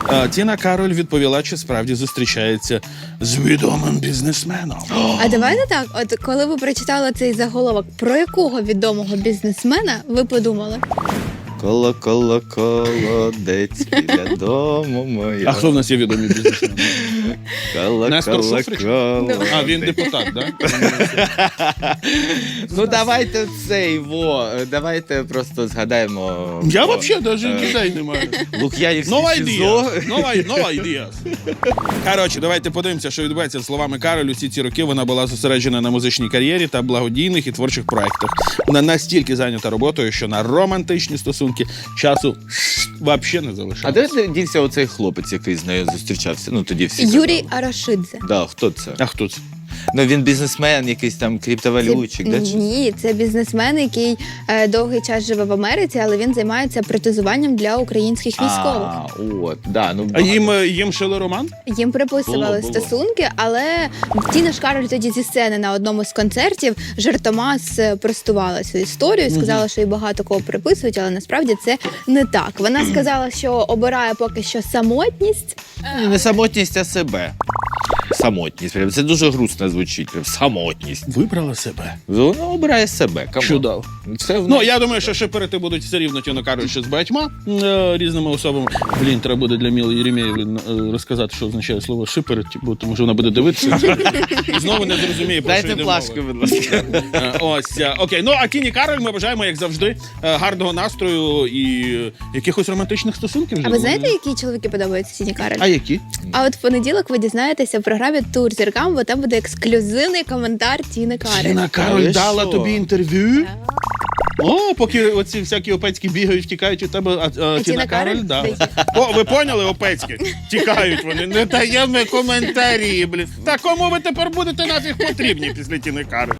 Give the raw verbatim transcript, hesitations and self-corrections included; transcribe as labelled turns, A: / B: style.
A: А, Тіна Кароль відповіла, чи справді зустрічається з відомим бізнесменом.
B: А давайте так, от коли ви прочитали цей заголовок, про якого відомого бізнесмена ви подумали?
C: Коло, коло, колодець біля дому моя.
A: А хто в нас є відомий бізнесмен?
C: Коло,
A: Нестор
C: коло,
A: Шуфрич?
C: колодець.
A: А, він депутат, так?
C: Ну давайте цей, во, давайте просто згадаємо.
A: Я
C: во,
A: взагалі навіть
C: е,
A: ідей не маю.
C: Лук'янівське
A: Нова
C: СІЗО.
A: ідея. Нова, нова ідея. Коротше, давайте подивимося, що відбувається з словами Кароль. Усі ці роки вона була зосереджена на музичній кар'єрі та благодійних і творчих проєктах. Вона настільки зайнята роботою, що на романтичні стосунки часу взагалі не
C: А
A: залишалося.
C: де дівся оцей хлопець, який з нею зустрічався? Ну тоді всі
B: Юрій
C: казали.
B: Арашидзе.
C: Да, хто це?
A: А хто це?
C: Ну він бізнесмен, якийсь там криптовалютчик, да? чи-
B: Ні, це бізнесмен, який е, довгий час живе в Америці, але він займається протезуванням для українських військових.
C: А, от, да, ну,
A: А
C: багато.
A: їм, е, їм шили роман?
B: Їм приписували
C: Було, було.
B: стосунки, але Тіна ж Кароль тоді зі сцени на одному з концертів жартома спростувала цю історію, сказала, що їй багато кого приписують, але насправді це не так. Вона сказала, що обирає поки що самотність.
C: Ні, не самотність, а себе. Самотність. Прям. Це дуже грустно звучить. Прям самотність.
A: Вибрала себе.
C: Вона обирає себе. Камон.
A: Чудово.
C: Це в
A: Ну,
C: неї.
A: я думаю, що шиперити будуть все рівно Тіну Кароль ще з багатьма е, різними особами. Блін, треба буде для Міли Єремєєвої е, розказати, що означає слово шиперити, бо тому що вона буде дивитися і знову не зрозуміє, про що
C: Дайте
A: йде
C: плашку,
A: мова.
C: будь ласка.
A: Е, Ось, е, окей. Ну, а Тіні Кароль ми бажаємо, як завжди, е, гарного настрою і е, якихось романтичних стосунків.
B: А ви знаєте, які чоловіки подобаються Тіні Кароль?
A: А які?
B: А от в понеділок ви дізнаєтеся в програмі «Тур зіркам», бо там буде ексклюзивний коментар Тіни Кароль.
A: Тіна Кароль
C: Але
A: дала
C: що?
A: тобі інтерв'ю? О, поки оці всякі опецькі бігають, втікають від тебе, а, а, Тіна,
B: Тіна
A: Кароль,
B: Кароль?
A: да. О, ви поняли, опецькі? Тікають вони, не даємо коментарі, блін. Та кому ви тепер будете нафіг потрібні після Тіни Кароль?